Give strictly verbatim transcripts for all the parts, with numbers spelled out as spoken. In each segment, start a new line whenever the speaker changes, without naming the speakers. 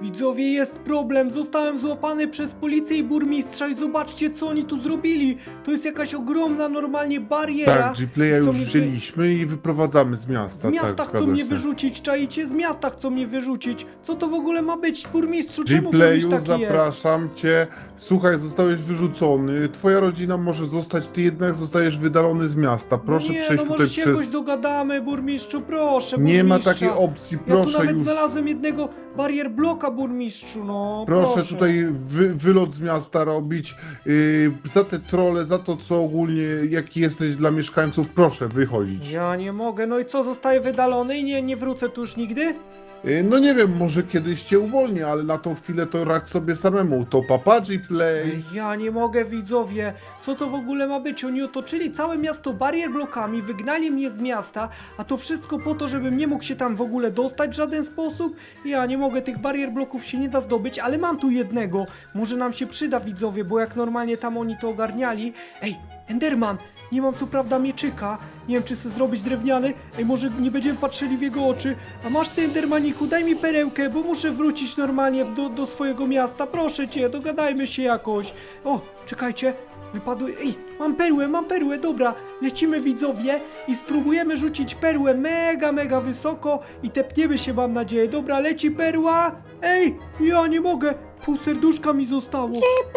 Widzowie, jest problem. Zostałem złapany przez policję i burmistrza i zobaczcie, co oni tu zrobili. To jest jakaś ogromna, normalnie bariera.
Tak, G-Playa
Chcą
już
mnie wy-
wzięliśmy i wyprowadzamy z miasta.
Z miasta
tak,
chcą
zgadza
mnie
się.
wyrzucić, czaicie? Z miasta chcą mnie wyrzucić. Co to w ogóle ma być, burmistrzu? Czemu burmistrz
G-Playu,
taki jest?
zapraszam cię. Słuchaj, zostałeś wyrzucony. Twoja rodzina może zostać, ty jednak zostajesz wydalony z miasta. Proszę
nie,
przejść
no
tutaj
może się
przez...
jakoś dogadamy, burmistrzu, proszę,
Nie ma
burmistrza.
takiej opcji,
Ja tu
proszę
nawet
już.
znalazłem jednego barier bloka, burmistrzu, no.
Proszę,
Proszę,
tutaj wy, wylot z miasta robić. Yy, za te trole, za to co ogólnie, jaki jesteś dla mieszkańców, proszę wychodzić.
Ja nie mogę, no i co, zostaję wydalony i nie, nie wrócę tu już nigdy?
Yy, no nie wiem, może kiedyś cię uwolnię, ale na tą chwilę to radź sobie samemu. To papa G-Play.
Ja nie mogę, widzowie. Co to w ogóle ma być? Oni otoczyli całe miasto barier blokami, wygnali mnie z miasta, a to wszystko po to, żebym nie mógł się tam w ogóle dostać w żaden sposób. Ja nie mogę, tych barier bloków się nie da zdobyć, ale mam tu jednego. Może nam się przyda, widzowie, bo jak normalnie tam oni to ogarniali. Ej, Enderman! Nie mam co prawda mieczyka, nie wiem czy chcę zrobić drewniany. Ej, może nie będziemy patrzyli w jego oczy. A masz ty, Endermaniku, daj mi perełkę, bo muszę wrócić normalnie do, do swojego miasta. Proszę cię, dogadajmy się jakoś. O, czekajcie, wypadły... Ej, mam perłę, mam perłę, dobra. Lecimy, widzowie, i spróbujemy rzucić perłę mega, mega wysoko i tepniemy się, mam nadzieję. Dobra, leci perła. Ej, ja nie mogę. Pół serduszka mi zostało.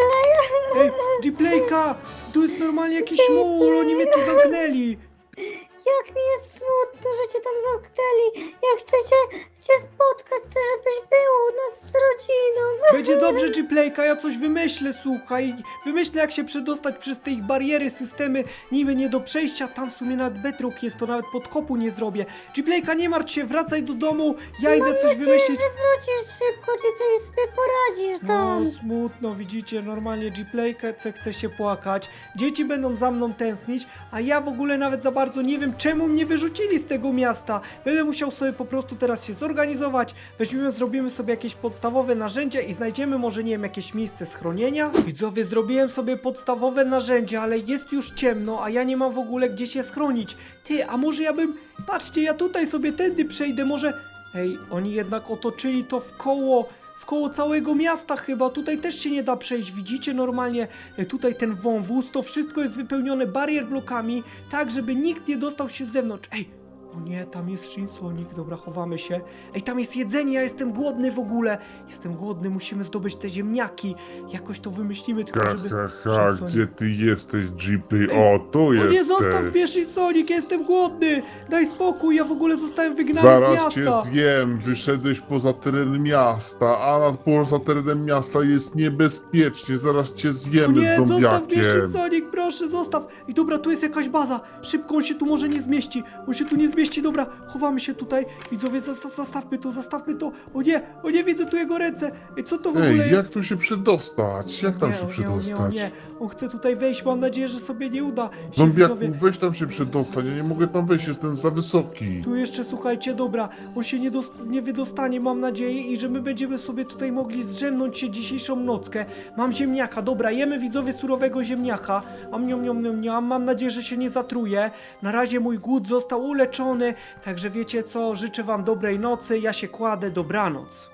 Ej, G-Playka, tu jest normalnie jakiś mur, oni mnie tu zamknęli.
Jak mi jest smutno, że cię tam zamknęli. Ja chcę cię, cię spotkać, chcę, żebyś był u nas z rodziną.
Będzie dobrze, G-Playka, ja coś wymyślę, słuchaj. Wymyślę, jak się przedostać przez te ich bariery, systemy niby nie do przejścia. Tam w sumie nawet bedrock jest, to nawet podkopu nie zrobię. G-Playka, nie martw się, wracaj do domu, ja idę coś wymyślić.
że wrócisz szybko, G-Play, sobie poradzisz
No,
tam.
smutno, widzicie, normalnie G-Playkę chce się płakać. Dzieci będą za mną tęsknić, a ja w ogóle nawet za bardzo nie wiem, czemu mnie wyrzucili z tego miasta. Będę musiał sobie po prostu teraz się zorganizować. Weźmiemy, zrobimy sobie jakieś podstawowe narzędzia i znajdziemy może, nie wiem, jakieś miejsce schronienia. Widzowie, zrobiłem sobie podstawowe narzędzia, ale jest już ciemno, a ja nie mam w ogóle gdzie się schronić. Ty, a może ja bym... Patrzcie, ja tutaj sobie tędy przejdę, może... Ej, oni jednak otoczyli to w koło... W koło całego miasta chyba, tutaj też się nie da przejść, widzicie normalnie, e, tutaj ten wąwóz, to wszystko jest wypełnione barier blokami, tak żeby nikt nie dostał się z zewnątrz. Ej, o nie, tam jest Shinsonik, dobra, chowamy się. Ej, tam jest jedzenie, ja jestem głodny w ogóle, jestem głodny, musimy zdobyć te ziemniaki, jakoś to wymyślimy, tylko
Ha,
żeby...
ha, ha,
Shinsonik-
gdzie ty jesteś, G-Play? O, tu
O nie,
jesteś.
zostaw mnie, Shinsonik, ja jestem głodny, daj spokój, ja w ogóle zostałem wygnany z
Zaraz cię
miasta.
zjem, wyszedłeś poza teren miasta, a nad poza terenem miasta jest niebezpiecznie, zaraz cię
O
zjemy
nie,
z
zostaw mnie,
zombiakiem.
Sonic, proszę, zostaw. I dobra, tu jest jakaś baza. Szybko, on się tu może nie zmieści. On się tu nie zmieści, dobra, chowamy się tutaj. Widzowie, zas- zastawmy to, zastawmy to. O nie, o nie, widzę tu jego ręce. Ej, co to w ogóle
Ej,
jest?
jak tu się przedostać? Jak tam
nie,
się
o nie, o nie, o
przedostać?
nie. On chce tutaj wejść, mam nadzieję, że sobie nie uda. Się,
Zombiaku,
widzowie,
weź tam się przedostać, ja nie mogę tam wejść, jestem za wysoki.
tu jeszcze, słuchajcie, dobra, on się nie, dos- nie wydostanie, mam nadzieję, i że my będziemy sobie tutaj mogli zdrzemnąć się dzisiejszą nockę. Mam ziemniaka, dobra, jemy, widzowie, surowego ziemniaka. Am, niom, niom, niom, niom. Mam nadzieję, że się nie zatruje. Na razie mój głód został uleczony, także wiecie co, życzę wam dobrej nocy, ja się kładę, dobranoc.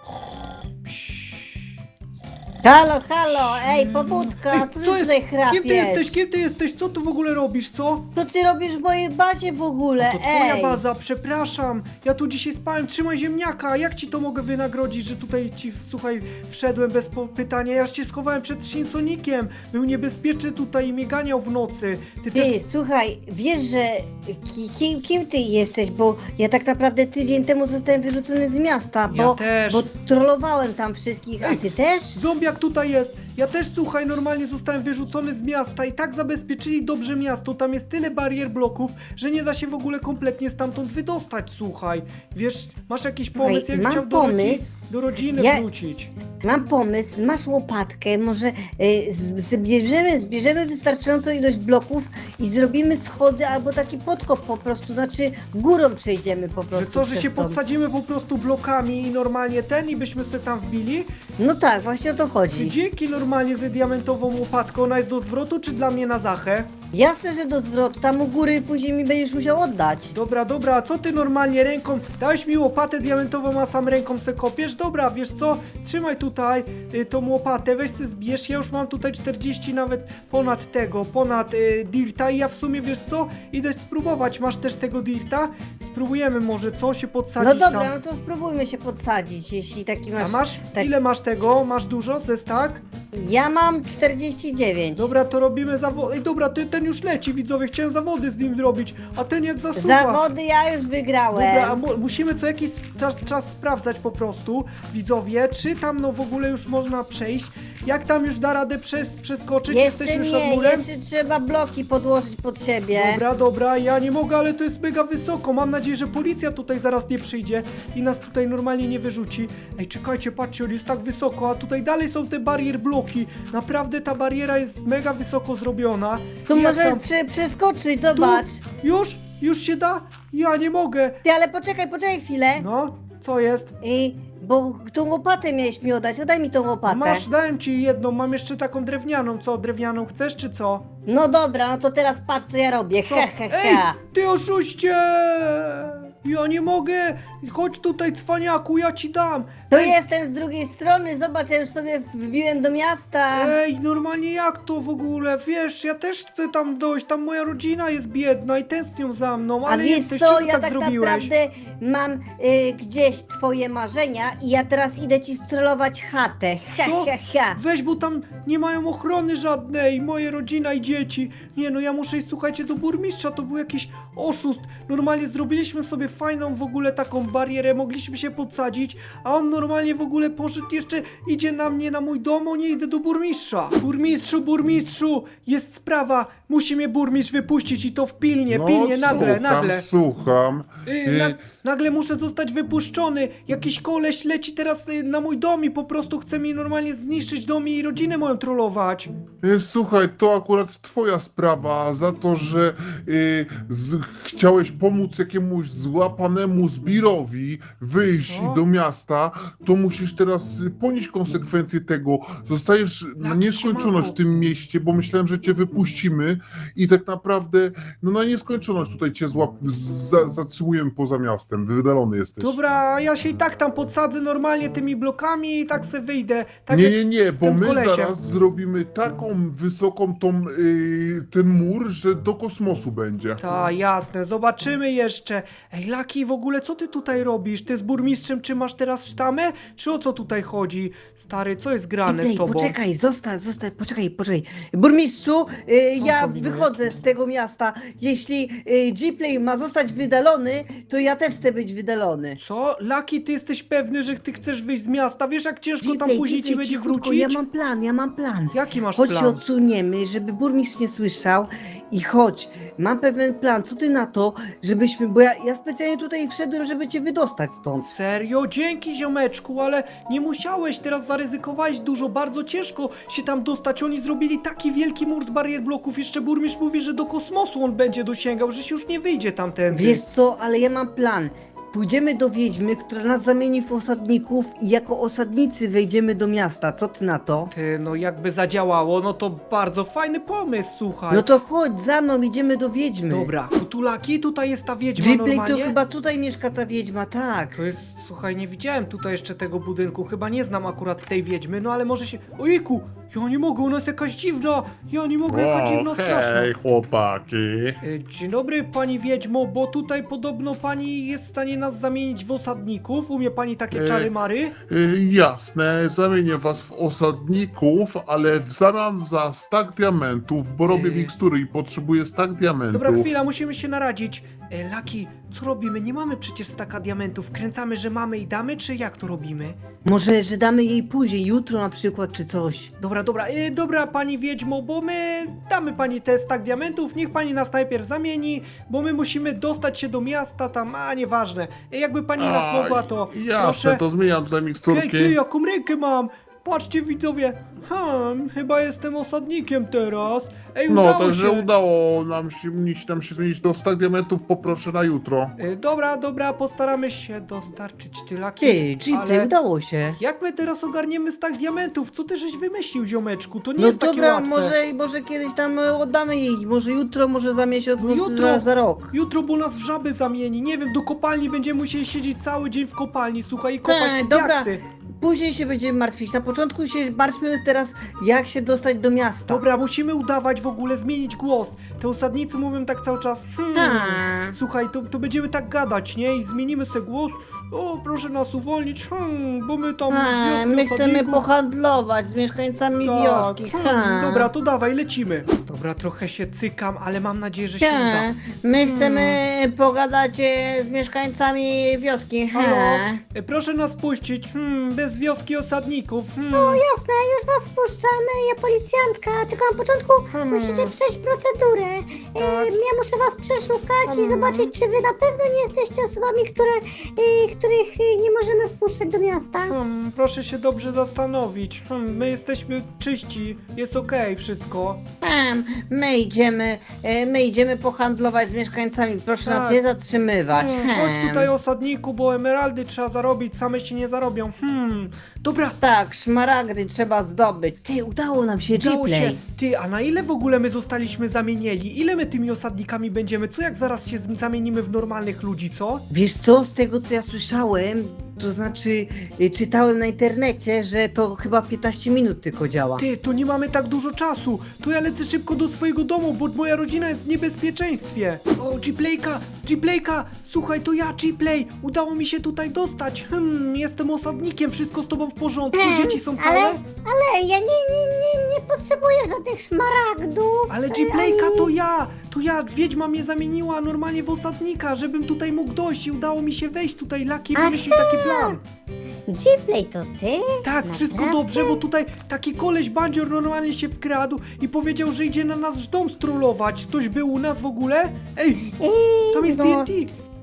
Halo, halo, ej, pobudka, co ty
Co jest?
tutaj chrapiesz?
Kim ty jesteś? Kim ty jesteś? Co tu w ogóle robisz, co?
Co ty robisz w mojej bazie w ogóle,
To twoja
ej?
baza, przepraszam. Ja tu dzisiaj spałem, trzymaj ziemniaka. Jak ci to mogę wynagrodzić, że tutaj ci, słuchaj, wszedłem bez po- pytania. Ja już cię schowałem przed Shinsonikiem. Był niebezpieczny tutaj i mnie ganiał w nocy. Ty, też...
Ty, słuchaj, wiesz, że ki, kim, kim ty jesteś, bo ja tak naprawdę tydzień temu zostałem wyrzucony z miasta, bo,
Ja też.
bo trollowałem tam wszystkich, a
Ej,
ty też?
Zombiak tutaj jest. Ja też, słuchaj, normalnie zostałem wyrzucony z miasta i tak zabezpieczyli dobrze miasto. Tam jest tyle barier bloków, że nie da się w ogóle kompletnie stamtąd wydostać, słuchaj. Wiesz, masz jakiś pomysł,
Słuchaj,
jak
mam
chciał do, rodzi-
pomysł.
do rodziny
Ja-
wrócić?
Mam pomysł, masz łopatkę, może y, z- zbierzemy, zbierzemy wystarczającą ilość bloków i zrobimy schody albo taki podkop po prostu, znaczy górą przejdziemy po prostu.
Że co, że
przez
się
to.
podsadzimy po prostu blokami i normalnie ten i byśmy sobie tam wbili?
No tak, właśnie o to chodzi.
Dzięki normalnie ze diamentową łopatką, ona jest do zwrotu czy dla mnie na zachę?
Jasne, że do zwrotu, tam u góry później mi będziesz musiał oddać.
Dobra, dobra, a co ty normalnie ręką? Dałeś mi łopatę diamentową, a sam ręką se kopiesz? Dobra, wiesz co? Trzymaj tutaj y, tą łopatę, weź se zbierz, ja już mam tutaj czterdzieści nawet ponad tego, ponad y, dirta i ja w sumie, wiesz co? Idę spróbować, masz też tego dirta? Spróbujemy może, co? Się
No
podsadzić
dobra,
tam.
no to spróbujmy się podsadzić, jeśli taki masz...
A masz?
tak-
Ile masz tego? Masz dużo? Zestak?
Ja mam czterdzieści dziewięć.
Dobra, to robimy zawody. Ej, dobra, ty, ten już leci, widzowie, chciałem zawody z nim zrobić, a ten jak zasuwa.
Zawody ja już wygrałem.
Dobra, a mu musimy co jakiś czas, czas sprawdzać po prostu, widzowie, czy tam no w ogóle już można przejść. Jak tam już da radę przez, przeskoczyć?
Jeszcze
Jesteśmy już nad
nie,
murem?
jeszcze trzeba bloki podłożyć pod siebie.
Dobra, dobra, ja nie mogę, ale to jest mega wysoko. Mam nadzieję, że policja tutaj zaraz nie przyjdzie i nas tutaj normalnie nie wyrzuci. Ej, czekajcie, patrzcie, on jest tak wysoko, a tutaj dalej są te barier bloki. Naprawdę ta bariera jest mega wysoko zrobiona.
Tu
I jak
możesz
tam-
prze, przeskoczyć,
Tu?
zobacz.
Już? Już się da? Ja nie mogę.
Ty, ale poczekaj, poczekaj chwilę.
No, co jest?
I, bo tą łopatę miałeś mi oddać, oddaj mi tą łopatę.
Masz, dałem ci jedną, mam jeszcze taką drewnianą. Co, drewnianą chcesz, czy co?
No dobra, no to teraz patrz co ja robię,
Co?
ha ha
Ej,
ha.
ty oszuście! Ja nie mogę! Chodź tutaj, cwaniaku, ja ci dam!
To
Ej,
jest ten z drugiej strony, zobacz, ja już sobie wbiłem do miasta.
Ej, normalnie jak to w ogóle? Wiesz, ja też chcę tam dojść, tam moja rodzina jest biedna i tęsknią za mną,
A
ale
wiesz
jesteś,
co,
czemu
ja
tak,
tak
zrobiłeś?
naprawdę mam y, gdzieś twoje marzenia i ja teraz idę ci strollować chatę, ha
Co?
ha ha.
Weź, bo tam nie mają ochrony żadnej, moje rodzina i dzieci. Nie no, ja muszę iść, słuchajcie, do burmistrza, to był jakiś oszust. Normalnie zrobiliśmy sobie fajną w ogóle taką barierę, mogliśmy się podsadzić, a on normalnie w ogóle poszedł, jeszcze idzie na mnie, na mój dom, o nie, idę do burmistrza. Burmistrzu, burmistrzu, jest sprawa, musi mnie burmistrz wypuścić i to w pilnie,
No,
pilnie, nagle,
słucham,
nagle.
Słucham.
Y, na, nagle muszę zostać wypuszczony. Jakiś koleś leci teraz y, na mój dom i po prostu chce mi normalnie zniszczyć dom i rodzinę moją trollować.
Y, Słuchaj, to akurat twoja sprawa za to, że y, z, chciałeś pomóc jakiemuś złapanemu zbirowi wyjść
Co?
do miasta, to musisz teraz y, ponieść konsekwencje tego. Zostajesz na
Laki,
nieskończoność
siemano.
w tym mieście, bo myślałem, że cię wypuścimy i tak naprawdę no na nieskończoność tutaj cię złap, za, zatrzymujemy poza miastem. Wydalony jesteś.
Dobra, ja się i tak tam podsadzę normalnie tymi blokami i tak se wyjdę. Tak
nie,
jak
nie, nie,
z
bo
tym
my
kolesiem.
zaraz zrobimy taką wysoką tą, y, ten mur, że do kosmosu będzie.
Ta, jasne, zobaczymy jeszcze. Ej, Laki, w ogóle co ty tutaj robisz? Ty z burmistrzem czy masz teraz sztamę? Czy o co tutaj chodzi? Stary, co jest grane
Ej,
z tobą?
poczekaj, zostań, zostań, poczekaj, poczekaj. Burmistrzu, y,
Co
ja
kombinujesz?
wychodzę z tego miasta. Jeśli y, G-Play ma zostać wydalony, to ja też chcę być wydalony.
Co? Laki, ty jesteś pewny, że ty chcesz wyjść z miasta? Wiesz, jak ciężko tam
G-Play,
później ci
G-Play,
będzie
cichutko,
wrócić?
ja mam plan, ja mam plan.
Jaki masz
Chodź
plan?
się odsuniemy, żeby burmistrz nie słyszał i chodź, mam pewien plan, co ty na to, żebyśmy, bo ja, ja specjalnie tutaj wszedłem, żeby cię wydostać stąd.
Serio? Dzięki, ziomeczku, ale nie musiałeś, teraz zaryzykowałeś dużo, bardzo ciężko się tam dostać. Oni zrobili taki wielki mur z barier bloków, jeszcze burmistrz mówi, że do kosmosu on będzie dosięgał, że się już nie wyjdzie tamtędy.
Wiesz co, ale ja mam plan. Pójdziemy do wiedźmy, która nas zamieni w osadników i jako osadnicy wejdziemy do miasta. Co ty na to?
Ty, no jakby zadziałało, no to bardzo fajny pomysł, słuchaj.
No to chodź za mną, idziemy do wiedźmy.
Dobra, Kutulaki, tutaj jest ta wiedźma
Ghibli,
normalnie?
to chyba tutaj mieszka ta wiedźma, tak.
To jest, słuchaj, nie widziałem tutaj jeszcze tego budynku, chyba nie znam akurat tej wiedźmy, no ale może się... Ojejku, ja nie mogę, ona jest jakaś dziwna, ja nie mogę, jaka dziwna, straszna.
hej chłopaki.
E, Dzień dobry, pani wiedźmo, bo tutaj podobno pani jest w stanie nas zamienić w osadników. Umie pani takie
E,
czary mary?
Y, jasne, zamienię was w osadników, ale w zamian za stack diamentów, bo robię
Yy.
mikstury i potrzebuję stack diamentów.
Dobra, chwila, musimy się naradzić. E, Laki, co robimy? Nie mamy przecież staka diamentów. Kręcamy, że mamy i damy, czy jak to robimy?
Może, że damy jej później, jutro na przykład, czy coś.
Dobra, dobra, e, dobra pani wiedźmo, bo my damy pani te stak diamentów, niech pani nas najpierw zamieni, bo my musimy dostać się do miasta tam, a nieważne. E, jakby pani nas
A,
mogła, to
Jasne,
proszę.
to zmieniam te miksturki.
Hej, ty, jaką rękę mam? Patrzcie widzowie, hmm, chyba jestem osadnikiem teraz. Ej,
No,
udało
także
się.
udało nam się, mi się tam się zmienić do stu diamentów, poproszę na jutro.
E, dobra, dobra, postaramy się dostarczyć tylaki.
Ty, Gplay,
ale
udało się.
jak my teraz ogarniemy stak diamentów? Co ty żeś wymyślił, ziomeczku? To nie
No
jest takie
dobra,
łatwe.
może, może kiedyś tam e, oddamy jej, może jutro, może za miesiąc,
No
może
jutro.
za, za rok.
Jutro, bo nas w żaby zamieni. Nie wiem, do kopalni będziemy musieli siedzieć cały dzień w kopalni, słuchaj, i kopać
Ej,
te
dobra.
diaksy.
Później się będziemy martwić. Na początku się martwimy teraz, jak się dostać do miasta.
Dobra, musimy udawać w ogóle, zmienić głos. Te osadnicy mówią tak cały czas. Hmm.
Tak.
Słuchaj, to, to będziemy tak gadać, nie? I zmienimy sobie głos. O, proszę nas uwolnić, hmm, bo my tam z
A,
wioski
my chcemy
osadników.
pohandlować z mieszkańcami
Tak,
wioski.
hmm,
Ha.
dobra, to dawaj, lecimy. Dobra, trochę się cykam, ale mam nadzieję, że się
Ha.
uda.
My chcemy pogadać e, z mieszkańcami wioski. Ha.
Halo? E, Proszę nas puścić, hmm, bez wioski osadników. Hmm.
Jasne, już was puszczamy, ja policjantka, tylko na początku
Hmm.
musicie przejść procedurę.
Tak.
E, ja muszę was przeszukać i
Hmm.
zobaczyć, czy wy na pewno nie jesteście osobami, które, e, których e, nie możemy wpuszczać do miasta.
Hmm, proszę się dobrze zastanowić. Hmm, my jesteśmy czyści, jest okej wszystko.
Em, My idziemy, e, my idziemy pohandlować z mieszkańcami. Proszę
Tak.
nas nie zatrzymywać.
Hmm,
Hem.
chodź tutaj osadniku, bo emeraldy trzeba zarobić, same się nie zarobią. Hmm, dobra,
Tak, szmaragdy trzeba zdobyć. Ty, udało nam się,
udało się.
Gplay.
Ty, a na ile w ogóle my zostaliśmy zamienieni? Ile my tymi osadnikami będziemy? Co jak zaraz się z- zamienimy w normalnych ludzi, co?
Wiesz co, z tego co ja słyszałem, to znaczy y, czytałem na internecie, że to chyba piętnaście minut tylko działa.
Ty, to nie mamy tak dużo czasu. To ja lecę szybko do swojego domu, bo moja rodzina jest w niebezpieczeństwie. O, Gplayka, Gplayka, słuchaj, to ja, Gplay. Udało mi się tutaj dostać. Hmm, jestem osadnikiem, wszystko z tobą w porządku,
Hmm,
dzieci są całe?
Ale, ale ja nie, nie, nie, nie potrzebuję żadnych szmaragdów.
Ale
e,
Gplayka
ani
to
nic.
ja! To ja, wiedźma mnie zamieniła normalnie w osadnika, żebym tutaj mógł dojść i udało mi się wejść tutaj. Laki wymyślił taki plan.
Gplay to ty?
Tak, wszystko
Naprawdę?
dobrze, bo tutaj taki koleś bandzior normalnie się wkradł i powiedział, że idzie na nasz dom strollować. Ktoś był u nas w ogóle? Ej,
Ej,
tam jest
no,
D N T!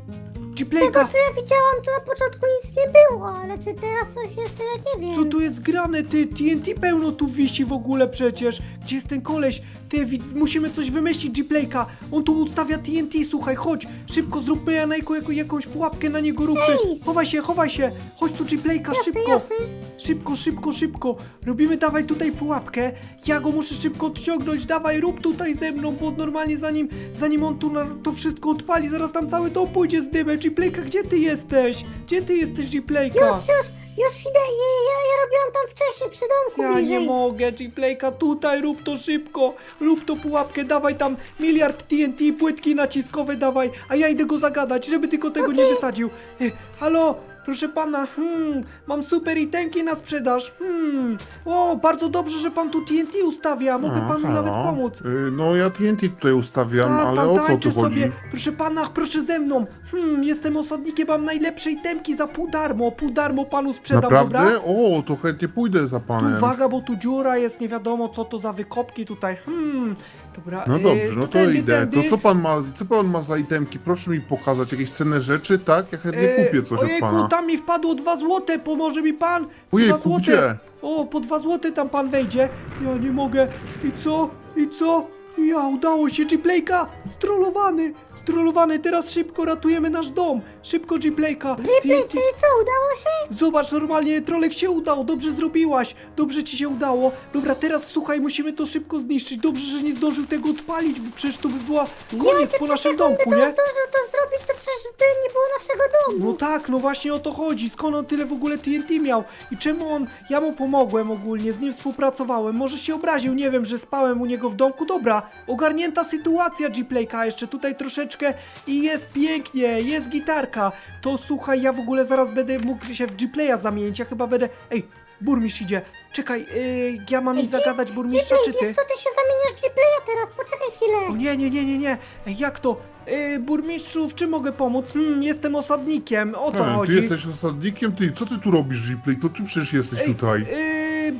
Tego
Gplayka,
co ja widziałam, to na początku nic nie było, ale czy teraz coś jest, to ja nie wiem.
co tu jest grane? Ty, T N T pełno tu wisi w ogóle przecież. Gdzie jest ten koleś? Ty, wi- musimy coś wymyślić, Gplayka. On tu ustawia T N T, słuchaj, chodź. Szybko zróbmy Janejko jako, jakąś pułapkę na niego róbmy.
Ej!
Chowaj się, chowaj się. Chodź tu, Gplayka,
Jasne,
szybko.
jasne.
Szybko, szybko, szybko. Robimy, dawaj tutaj pułapkę. Ja go muszę szybko odciągnąć. Dawaj, rób tutaj ze mną, bo normalnie zanim, zanim on tu na, to wszystko odpali, zaraz tam cały dom pójdzie z dymem. Gplayka, gdzie ty jesteś? Gdzie ty jesteś, Gplayka?
Już, już, już idę, ja, ja, ja robiłam tam wcześniej przy domku
Ja
bliżej.
nie mogę, Gplayka, tutaj rób to szybko. Rób to pułapkę, dawaj tam miliard T N T, płytki naciskowe dawaj, a ja idę go zagadać, żeby tylko tego nie wysadził. E, halo? Proszę pana, hmm, mam super itemki na sprzedaż. Hmm, o, bardzo dobrze, że pan tu T N T ustawia. Mogę
A,
panu
halo?
nawet pomóc.
Y, No ja T N T tutaj ustawiam,
Tak,
ale
pan
o co
tańczy
tu chodzi?
sobie. Proszę pana, proszę ze mną. Hmm, jestem osadnikiem, mam najlepsze itemki za pół darmo. Pół darmo panu sprzedam,
Naprawdę?
dobra?
O, to chętnie pójdę za
Tu
panem.
uwaga, bo tu dziura jest, nie wiadomo co to za wykopki tutaj. Hmm, dobra.
No
e,
dobrze, no to
tędy,
idę.
tędy.
To co pan ma, co pan ma za itemki? Proszę mi pokazać jakieś cenne rzeczy, tak? Ja chętnie
E,
kupię coś od
ojejku,
pana.
tam mi wpadło dwa złote, pomoże mi pan? Dwa
Ojejku,
złote.
gdzie?
O, po dwa złote tam pan wejdzie. Ja nie mogę. I co? I co? Ja, udało się, Gplayka! Strollowany! Strollowany, teraz szybko ratujemy nasz dom! Szybko, Gplayka!
Gplay,
Ty- ty-
czyli co, udało się?
Zobacz, normalnie trolek się udał, dobrze zrobiłaś, dobrze ci się udało. Dobra, teraz słuchaj, musimy to szybko zniszczyć. Dobrze, że nie zdążył tego odpalić, bo przecież to by była koniec po naszym domku,
Gdyby
nie?
to zdążył to zrobić, to przecież by nie było naszego domu.
No tak, no właśnie o to chodzi. Skąd on tyle w ogóle T N T miał? I czemu on... Ja mu pomogłem ogólnie, z nim współpracowałem. Może się obraził, nie wiem, że spałem u niego w domku. Dobra, ogarnięta sytuacja, Gplayka. Jeszcze tutaj troszeczkę i jest pięknie, jest gitarka. To słuchaj, ja w ogóle zaraz będę mógł się w Gplaya zamienić. Ja chyba będę... Ej, burmistrz idzie. Czekaj, yy, ja mam
Ej,
iść zagadać burmistrza,
Gplay,
czy ty?
wiesz co, ty się zamieniasz w Gplaya teraz, poczekaj
O
chwilę.
nie, nie, nie, nie, nie. Ej, jak to? Yy, burmistrzu, w czym mogę pomóc? Hmm, jestem osadnikiem. O co
He,
chodzi?
ty jesteś osadnikiem? Ty, co ty tu robisz, Gplay? To ty przecież jesteś
Ej,
tutaj.
Yy, bo ja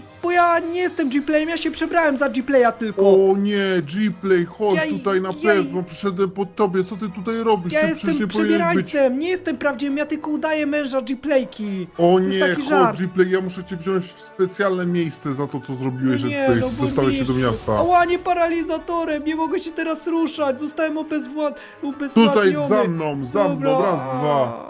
ja nie jestem G-Playem, ja się przebrałem za G-Playa tylko.
O nie, G-Play, chodź
Ja-
tutaj na
ja-
pewno, przyszedłem po tobie, co ty tutaj robisz?
Ja
ty
jestem
przecież nie powinieneś być...
przebierańcem, nie jestem prawdziwym, ja tylko udaję męża G-Playki.
O
To jest
nie,
taki
chodź
żart.
G-Play, ja muszę cię wziąć w specjalne miejsce za to, co zrobiłeś, że
Nie,
tutaj
no
dostałeś się do
burmistrzu.
miasta.
Ała, nie paralizatorem, nie mogę się teraz ruszać, zostałem obezwład... ubezwładniony.
Tutaj za mną, za mną,
Dobra.
raz, dwa.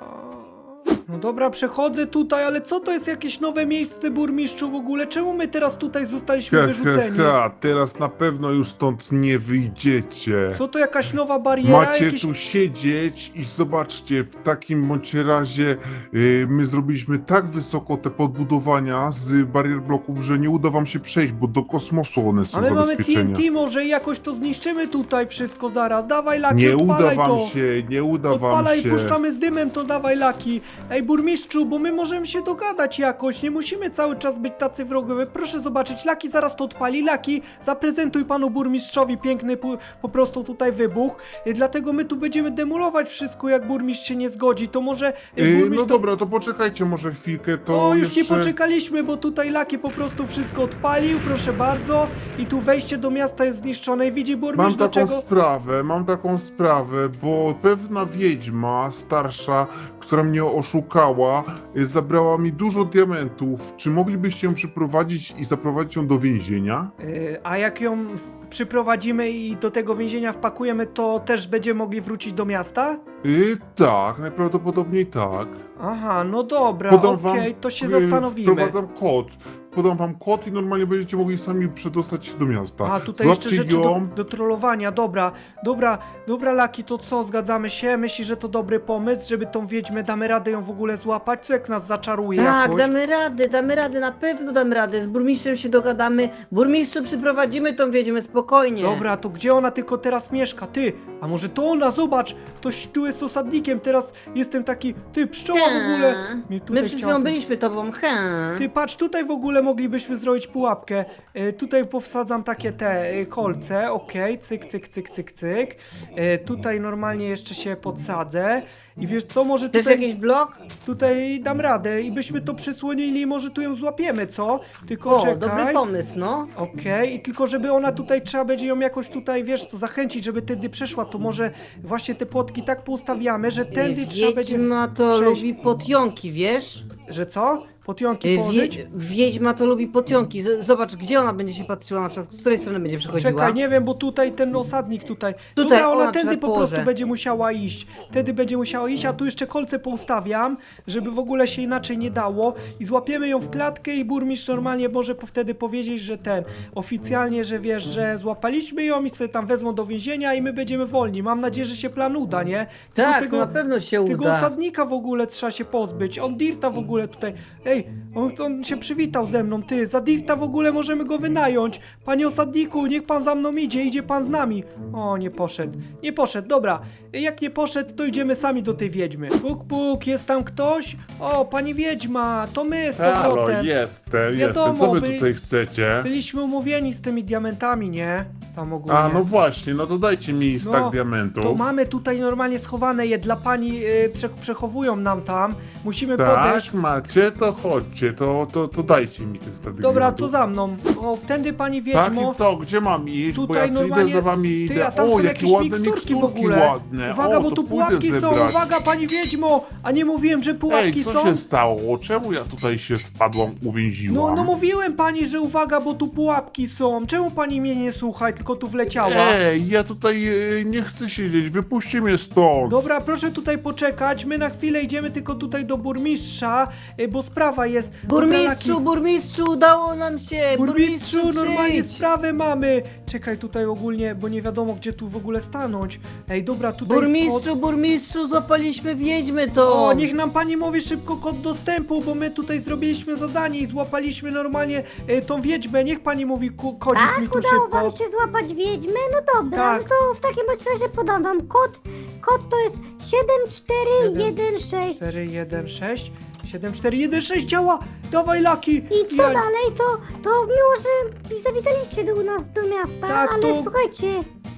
No dobra, przechodzę tutaj, ale co to jest jakieś nowe miejsce, burmistrzu, w ogóle? Czemu my teraz tutaj zostaliśmy
Ha, ha,
wyrzuceni?
ha, teraz na pewno już stąd nie wyjdziecie.
Co to jakaś nowa bariera?
Macie
jakieś...
tu siedzieć i zobaczcie, w takim bądź razie y, my zrobiliśmy tak wysoko te podbudowania z barier bloków, że nie uda wam się przejść, bo do kosmosu one są
Ale mamy T
zabezpieczenia.
N T, może jakoś to zniszczymy tutaj wszystko zaraz. Dawaj, Laki,
Nie uda
odpalaj
wam
to.
się, nie uda wam
Odpalaj,
się.
puszczamy z dymem, to dawaj, Laki. Ej, burmistrzu, bo my możemy się dogadać jakoś, nie musimy cały czas być tacy wrogowie. Proszę zobaczyć, Laki zaraz to odpali. Laki, zaprezentuj panu burmistrzowi piękny po, po prostu tutaj wybuch. Y, Dlatego my tu będziemy demolować wszystko, jak burmistrz się nie zgodzi. To może y,
Y,
burmistrz...
no
to...
dobra, to poczekajcie może chwilkę, to
O, już
jeszcze...
nie poczekaliśmy, bo tutaj Laki po prostu wszystko odpalił, proszę bardzo. I tu wejście do miasta jest zniszczone i widzi
Mam
burmistrz do
taką
czego...
sprawę, mam taką sprawę, bo pewna wiedźma starsza, która mnie oszukała, y, zabrała mi dużo diamentów. Czy moglibyście ją przyprowadzić i zaprowadzić ją do więzienia?
Yy, a jak ją w- przyprowadzimy i do tego więzienia wpakujemy, to też będziemy mogli wrócić do miasta?
Y, tak, najprawdopodobniej tak.
Aha, no dobra,
Podam
okej,
wam,
to się
y,
zastanowimy.
Wprowadzam kod. Podam wam kod i normalnie będziecie mogli sami przedostać się do miasta.
A, tutaj jeszcze
Złapcie
rzeczy do,
ją.
do trollowania, dobra, dobra, dobra Laki, to co, zgadzamy się? Myślisz, że to dobry pomysł, żeby tą wiedźmę, damy radę ją w ogóle złapać? Co jak nas zaczaruje
Tak,
jakoś?
damy radę, damy radę, na pewno damy radę. Z burmistrzem się dogadamy. Burmistrzu, przyprowadzimy tą wiedźmę spokojnie.
Dobra, to gdzie ona tylko teraz mieszka? Ty, a może to ona, zobacz, ktoś tu jest osadnikiem, teraz jestem taki, ty, pszczoła w ogóle. Mnie tutaj
My przed
chciała
chwilą
tu-
byliśmy tobą, he.
Ty patrz, tutaj w ogóle moglibyśmy zrobić pułapkę. E, tutaj powsadzam takie te e, kolce, okej, cyk, cyk, cyk, cyk, cyk. E, tutaj normalnie jeszcze się podsadzę. I wiesz co, może
Też
tutaj,
jakiś blok?
tutaj dam radę i byśmy to przysłonili i może tu ją złapiemy, co? Tylko
O,
czekaj.
dobry pomysł, no.
Okej, i tylko żeby ona tutaj, trzeba będzie ją jakoś tutaj, wiesz co, zachęcić, żeby tędy przeszła, to może właśnie te płotki tak poustawiamy, że tędy trzeba będzie...
Wiedźma to
przejść.
lubi potionki, wiesz?
Że co? Potionki
Wie,
położyć?
wiedźma to lubi potionki. Z- Zobacz, gdzie ona będzie się patrzyła, na przykład, z której strony będzie przechodziła.
Czekaj, nie wiem, bo tutaj ten osadnik tutaj.
Tutaj,
Dobra,
o,
ona
na
tędy
przykład
po prostu
położę.
będzie musiała iść. Tędy będzie musiała iść, a tu jeszcze kolce poustawiam, żeby w ogóle się inaczej nie dało. I złapiemy ją w klatkę i burmistrz normalnie może po wtedy powiedzieć, że ten, oficjalnie, że wiesz, że złapaliśmy ją i sobie tam wezmą do więzienia i my będziemy wolni. Mam nadzieję, że się plan uda, nie? Tylko
Tak,
tego,
na pewno się
tego
uda.
osadnika w ogóle trzeba się pozbyć. On Dirta w ogóle tutaj. Ej, on, on się przywitał ze mną, ty. Za Dirta w ogóle możemy go wynająć. Panie osadniku, niech pan za mną idzie, idzie pan z nami. O, nie poszedł. Nie poszedł, dobra. Jak nie poszedł, to idziemy sami do tej wiedźmy. Puk, puk, jest tam ktoś? O, pani wiedźma, to my z
Halo,
powrotem.
jestem,
Wiadomo,
jestem. Co wy
by-
tutaj chcecie?
Byliśmy umówieni z tymi diamentami, nie? Tam ogólnie.
A, no właśnie, no to dajcie mi stak
No,
diamentów.
To mamy tutaj normalnie schowane je dla pani, yy, prze, przechowują nam tam. Musimy
Tak,
podejść.
macie, to chodźcie, to, to, to dajcie mi te stady
Dobra,
diamentów.
to za mną. O, tędy pani
Tak
wiedźmo.
i co, gdzie mam iść? Bo
Tutaj
ja
normalnie-
idę za wami i
Ty,
idę.
a tam
O,
są
jakie
jakieś
ładne
miksturki w
miksturki
ogóle.
ładne.
Uwaga,
o,
bo
to
tu
pójdę
pułapki są.
zebrać.
Uwaga, pani wiedźmo. A nie mówiłem, że pułapki
Ej, co
są?
się stało? Czemu ja tutaj się spadłam, uwięziłam?
No, no mówiłem pani, że uwaga, bo tu pułapki są. Czemu pani mnie nie słucha, tylko tu wleciała?
Ej, ja tutaj e, nie chcę siedzieć, wypuśćcie mnie stąd.
Dobra, proszę tutaj poczekać. My na chwilę idziemy tylko tutaj do burmistrza, y, bo sprawa jest. Dobra,
Burmistrzu,
Laki.
burmistrzu, udało nam się!
Burmistrzu, normalnie
przyjdź.
sprawę mamy. Czekaj tutaj ogólnie, bo nie wiadomo gdzie tu w ogóle stanąć. Ej, dobra, tutaj jest
Burmistrzu, burmistrzu, złapaliśmy wiedźmy to!
kod. O, niech nam pani mówi szybko kod dostępu, bo my tutaj zrobiliśmy zadanie i złapaliśmy normalnie e, tą wiedźmę. Niech pani mówi ku- kodzik
Tak,
mi tu
udało
szybko.
wam się złapać wiedźmę? No dobra,
Tak.
no to w takim bądź razie podam wam kod. Kod to jest siedem cztery jeden sześć.
cztery jeden sześć siedem cztery jeden sześć działa! Dawaj Laki!
I co dalej? To, to miło, że zawitaliście do nas do miasta,
Tak,
ale
to-
słuchajcie,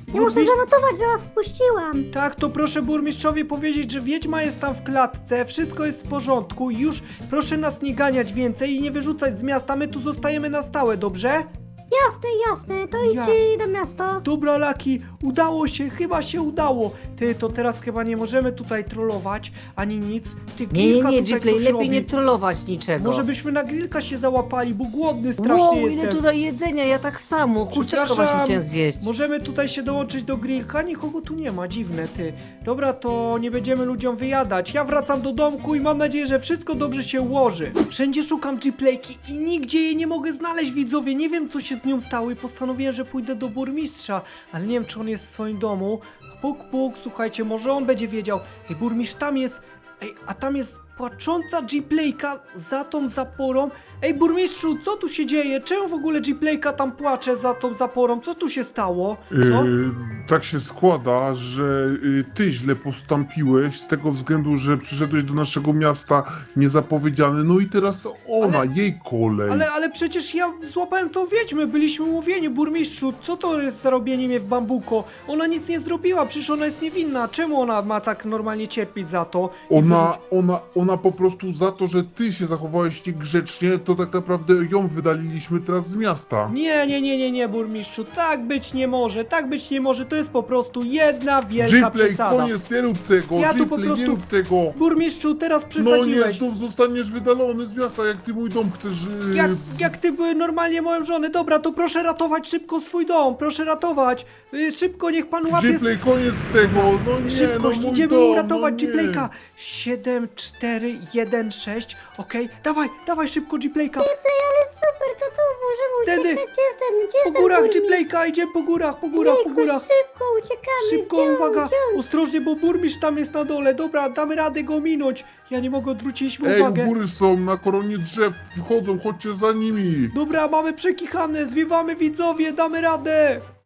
Ja muszę
Burmistrz-
zanotować, że was wpuściłam.
Tak, to proszę burmistrzowi powiedzieć, że wiedźma jest tam w klatce, wszystko jest w porządku i już proszę nas nie ganiać więcej i nie wyrzucać z miasta, my tu zostajemy na stałe, dobrze?
Jasne, jasne, to
Ja.
idźcie na miasto.
Dobra, Laki, udało się, chyba się udało. Ty, to teraz chyba nie możemy tutaj trollować, ani nic. Ty,
Nie, nie,
grillka
nie,
tutaj
Gplay,
ktoś
lepiej
robi.
nie trollować niczego.
Może byśmy na grillka się załapali, bo głodny strasznie
Wow,
jestem.
ile tutaj jedzenia, ja tak samo. Kurczaszko
Przepraszam,
właśnie chciałem zjeść.
Możemy tutaj się dołączyć do grillka? Nikogo tu nie ma, dziwne ty. Dobra, to nie będziemy ludziom wyjadać. Ja wracam do domku i mam nadzieję, że wszystko dobrze się ułoży. Wszędzie szukam Gplayki i nigdzie jej nie mogę znaleźć, widzowie. Nie wiem, co się z nią stało i postanowiłem, że pójdę do burmistrza, ale nie wiem, czy on jest w swoim domu. Puk, puk, słuchajcie, może on będzie wiedział. Ej, burmistrz, tam jest... Ej, a tam jest płacząca Gplayka za tą zaporą. Ej, burmistrzu, co tu się dzieje? Czemu w ogóle Gplayka tam płacze za tą zaporą? Co tu się stało? Co?
Yy, tak się składa, że yy, ty źle postąpiłeś z tego względu, że przyszedłeś do naszego miasta niezapowiedziany, no i teraz ona,
Ale-
jej kolej.
Ale, ale przecież ja złapałem tą wiedźmę, byliśmy umówieni, burmistrzu, co to jest za robienie mnie w bambuko? Ona nic nie zrobiła, przecież ona jest niewinna, czemu ona ma tak normalnie cierpieć za to? I
Ona,
wyrzuci-
ona, ona po prostu za to, że ty się zachowałeś niegrzecznie, to tak naprawdę ją wydaliliśmy teraz z miasta.
Nie, nie, nie, nie, nie, burmistrzu, tak być nie może, tak być nie może, to jest po prostu jedna wielka
Gplay,
przesada.
koniec, nie rób tego,
Ja tu po
Gplay, nie
prostu-
rób tego.
Burmistrzu, teraz
No nie,
przesadziłeś.
znów zostaniesz wydalony z miasta, jak ty mój dom chcesz... Yy...
Jak, jak ty były normalnie moją żonę, dobra, to proszę ratować szybko swój dom, proszę ratować. Y, szybko, niech pan łapie...
Gplay, koniec tego, no nie,
Szybkość,
no mój
idziemy
dom,
uratować
no nie.
Gplayka. siedem, cztery, jeden, sześć, okej, dawaj, dawaj szybko Gplayka.
Ale super, to co, możemy
Tędy.
uciekać? Gdzie jest ten, gdzie jest
Po
ten
górach
burmistrz?
Gplayka, idziemy po górach, po górach, po
Jejku,
górach.
szybko uciekamy.
Szybko,
Gdzie on,
uwaga,
gdzie on?
ostrożnie, bo burmistrz tam jest na dole. Dobra, damy radę go minąć. Ja nie mogę, odwróciliśmy
Ej, u
uwagę.
góry są, na koronie drzew, wchodzą, chodźcie za nimi.
Dobra, mamy przekichane, zwiewamy widzowie, damy radę.